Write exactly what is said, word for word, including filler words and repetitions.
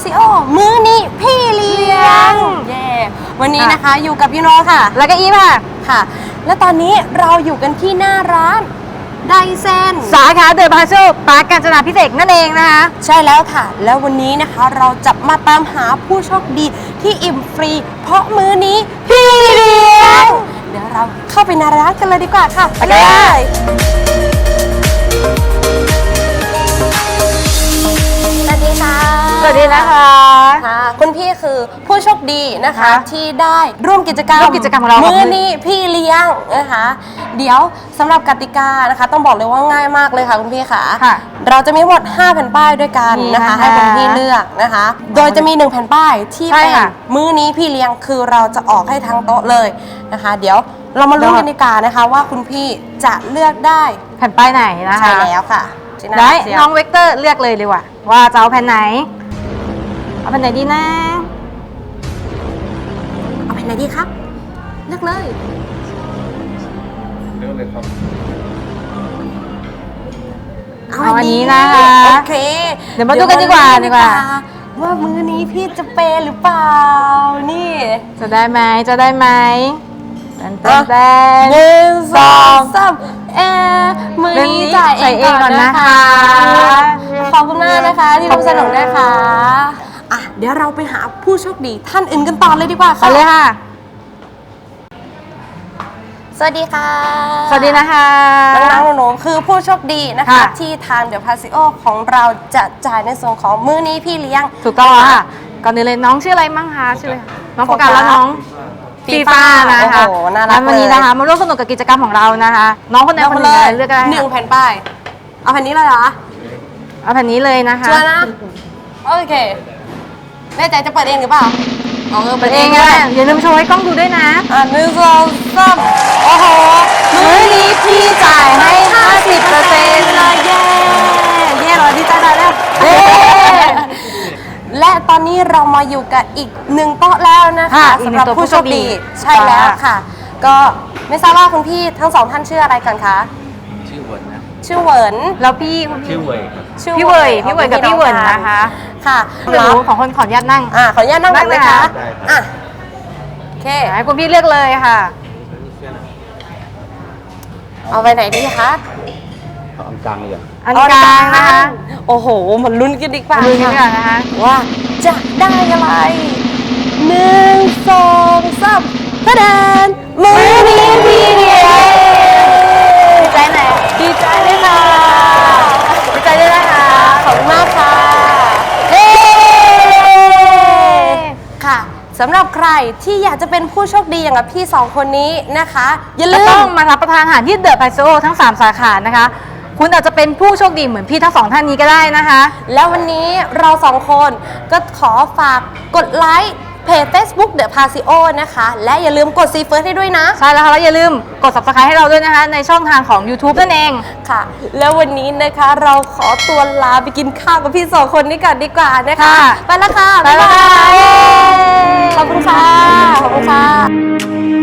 ซิโอมื้อนี้พี่เลี้ยงเย่วันนี้นะคะอยู่กับพี่โนค่ะแล้วก็อีฟค่ะค่ะและตอนนี้เราอยู่กันที่หน้าร้านไดเซนสาขาเดอะพาโชปาร์คกาญจนาพิเศษนั่นเองนะคะใช่แล้วค่ะแล้ววันนี้นะคะเราจะมาตามหาผู้โชคดีที่อิ่มฟรีเพราะมื้อนี้พี่เลี้ยงเดี๋ยวเราเข้าไปในร้านกันเลยดีกว่าค่ะไปเลยสวัสดีค่ะสวัสดีนะคะค่ะคุณพี่คือผู้โชคดีนะคะที่ได้ร่วมกิจกรรมร่วมกิจกรรมของเรามื้อนี้พี่เลี้ยงนะคะเดี๋ยวสำหรับกติกานะคะต้องบอกเลยว่าง่ายมากเลยค่ะคุณพี่ค่ะเราจะมีหมดห้าแผ่นป้ายด้วยกันนะคะให้คุณพี่เลือกนะคะโดยจะมีหนึ่งแผ่นป้ายที่เป็นมื้อนี้พี่เลี้ยงคือเราจะออกให้ทั้งโต๊ะเลยนะคะเดี๋ยวเรามาลุ้นกันดีกว่านะคะว่าคุณพี่จะเลือกได้แผ่นป้ายไหนนะคะใช่แล้วค่ะได้น้องเวกเตอร์เลือกเลยเลยว่ะว่าจะเอาแผ่นไหนเอาแผ่นไหนดีนะเอาแผ่นไหนดีครับเลือกเลยเลือกเลยครับเอาอันนี้นะคะโอเคเดี๋ยวมาดูกันดีกว่าดีกว่าว่ามื้อนี้พี่จะเปย์หรือเปล่านี่จะได้ไหมจะได้ไหมแตนแตนแตนหนึ่งสองสามเอมือนี้จ่ายเองก่อนนะคะขอบคุณมากนะคะที่ร่วมสนุกนะคะอ่ะเดี๋ยวเราไปหาผู้โชคดีท่านอื่นกันต่อเลยดีกว่าค่ะไปเลยค่ะสวัสดีค่ะสวัสดีนะคะน้องๆหนูๆคือผู้โชคดีนะคะที่ทางเดอะพาซิโอของเราจะจ่ายในส่วนของมื้อนี้พี่เลี้ยงถูกต้องค่ะก่อนอื่นเลยน้องชื่ออะไรมั่งคะชื่ออะไรน้องโฟกัสแล้วน้องฟีฟ่านะคะแล้ววันนี้นะคะมาร่วมสนุกกับกิจกรรมของเรานะคะน้องคนไหนคนหนึ่งเลือกได้หนึ่งแผ่นป้ายเอาแผ่นนี้เลยเหรอเอาแผ่นนี้เลยนะคะชัวร์นะโอเคแน่ใจจะเปิดเองหรือเปล่าเออเปิดเองก็ได้อย่าลืมโชว์ให้กล้องดูด้วยนะอ่ะหนึ่งสองสามโอ้โหมื้อนี้พี่จ่ายให้ห้าสิบเปอร์เซ็นต์เลยเย้เย้เราดีใจได้แล้วเย้และตอนนี้เรามาอยู่กับอีกหนึ่งโต๊ะแล้วนะคะสำหรับผู้โชคดีใช่แล้วค่ะก็ไม่ทราบว่าคุณพี่ทั้งสองท่านชื่ออะไรกันคะชื่อเวิร์นนะชื่อเวิร์นแล้วพี่ชื่อเว่ยพี่เว่ยพี่เว่ยกับพี่เวิร์นนะคะค่ะหนูของคนขออนุญาตนั่งอ่าขออนุญาตนั่งก่อนนะคะอ่ะโอเคให้คุณพี่เลือกเลยค่ะเอาไปไหนดีคะเอาอันกลางเลยอ่ะอันกลางนะคะโอ้โหมันลุ้นกันดีกว่าลุ้นกันดีกว่านะคะว่าจะได้อะไรหนึ่งสองสามกระดานมื้อนี้พี่เลี้ยงดีใจไหนดีใจเลยค่ะดีใจด้วยนะคะขอบคุณมากค่ะเฮ้ค่ะสำหรับใครที่อยากจะเป็นผู้โชคดีอย่างกับพี่สองคนนี้นะคะอย่าลืมต้องมารับประทานอาหารที่เดอะพาโซทั้งสามสาขานะคะคุณอาจจะเป็นผู้โชคดีเหมือนพี่ทั้งสองท่านนี้ก็ได้นะคะแล้ววันนี้เราสองคนก็ขอฝากกดไลค์เพจ Facebook The Pasio นะคะและอย่าลืมกดซีเฟิร์สให้ด้วยนะใช่แล้วค่ะแล้วอย่าลืมกด ซับสไครบ์ ให้เราด้วยนะคะในช่องทางของ ยูทูบ นั่นเองค่ะแล้ววันนี้นะคะเราขอตัวลาไปกินข้าวกับพี่สองคนนี้กันดีกว่านะคะไปแล้วค่ะบ๊ายบายขอบคุณค่ะขอบคุณค่ะ